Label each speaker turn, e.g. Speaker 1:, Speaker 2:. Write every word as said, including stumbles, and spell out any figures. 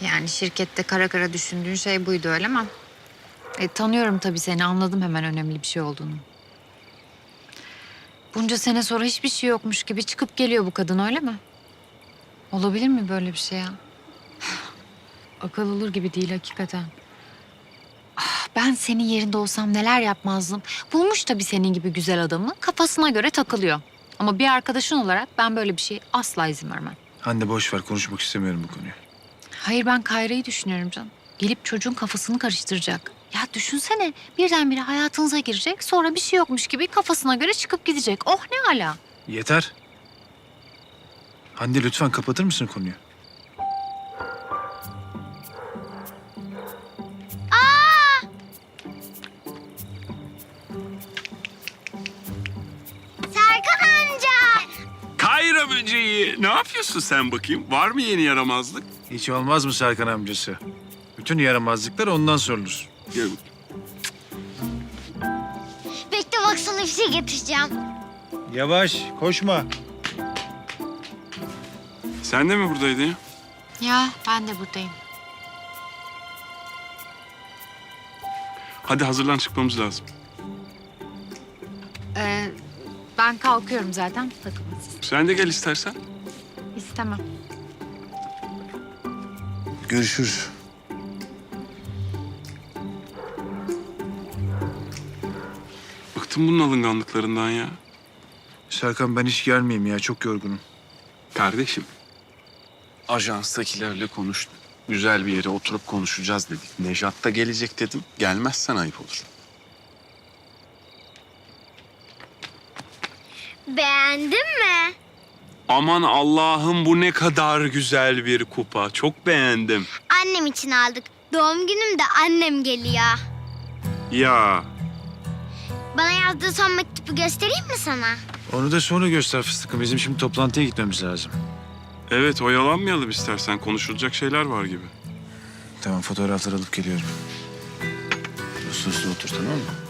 Speaker 1: Yani şirkette kara kara düşündüğün şey buydu öyle mi? E, tanıyorum tabii seni, anladım hemen önemli bir şey olduğunu. Bunca sene sonra hiçbir şey yokmuş gibi çıkıp geliyor bu kadın öyle mi? Olabilir mi böyle bir şey ya? Akıl olur gibi değil hakikaten. Ah, ben senin yerinde olsam neler yapmazdım. Bulmuş tabii senin gibi güzel adamı, kafasına göre takılıyor. Ama bir arkadaşın olarak ben böyle bir şey asla izin vermem.
Speaker 2: Hande boş ver, konuşmak istemiyorum bu konuyu.
Speaker 1: Hayır, ben Kayra'yı düşünüyorum canım. Gelip çocuğun kafasını karıştıracak. Ya düşünsene, birdenbire hayatınıza girecek, sonra bir şey yokmuş gibi kafasına göre çıkıp gidecek. Oh ne ala.
Speaker 2: Yeter. Hande lütfen kapatır mısın konuyu?
Speaker 3: Serkan amca.
Speaker 4: Kayra böceği. Ne yapıyorsun sen bakayım? Var mı yeni yaramazlık?
Speaker 2: Hiç olmaz mı Serkan amcası? Bütün yaramazlıklar ondan sorulur.
Speaker 4: Gel.
Speaker 3: Bekle bak sana bir şey getireceğim.
Speaker 2: Yavaş, koşma.
Speaker 4: Sen de mi buradaydın ya?
Speaker 1: Ya ben de buradayım.
Speaker 4: Hadi hazırlan, çıkmamız lazım.
Speaker 1: Ee, ben kalkıyorum zaten, takılın siz.
Speaker 4: Sen de gel istersen.
Speaker 1: İstemem.
Speaker 2: Görüşürüz.
Speaker 4: Bıktım bunun alınganlıklarından ya.
Speaker 2: Serkan ben hiç gelmeyeyim ya, çok yorgunum.
Speaker 4: Kardeşim, ajanstakilerle konuştum. Güzel bir yere oturup konuşacağız dedik. Nejat da gelecek dedim. Gelmezsen ayıp olur.
Speaker 3: Beğendin mi?
Speaker 4: Aman Allah'ım, bu ne kadar güzel bir kupa. Çok beğendim.
Speaker 3: Annem için aldık. Doğum günümde annem geliyor.
Speaker 4: Ya
Speaker 3: Bana yazdığı son mektubu göstereyim mi sana?
Speaker 2: Onu da sonra göster fıstıkım. Bizim şimdi toplantıya gitmemiz lazım.
Speaker 4: evet, oyalanmayalım istersen. Konuşulacak şeyler var gibi.
Speaker 2: Tamam, fotoğraflar alıp geliyorum. Uslu uslu otur, tamam mı?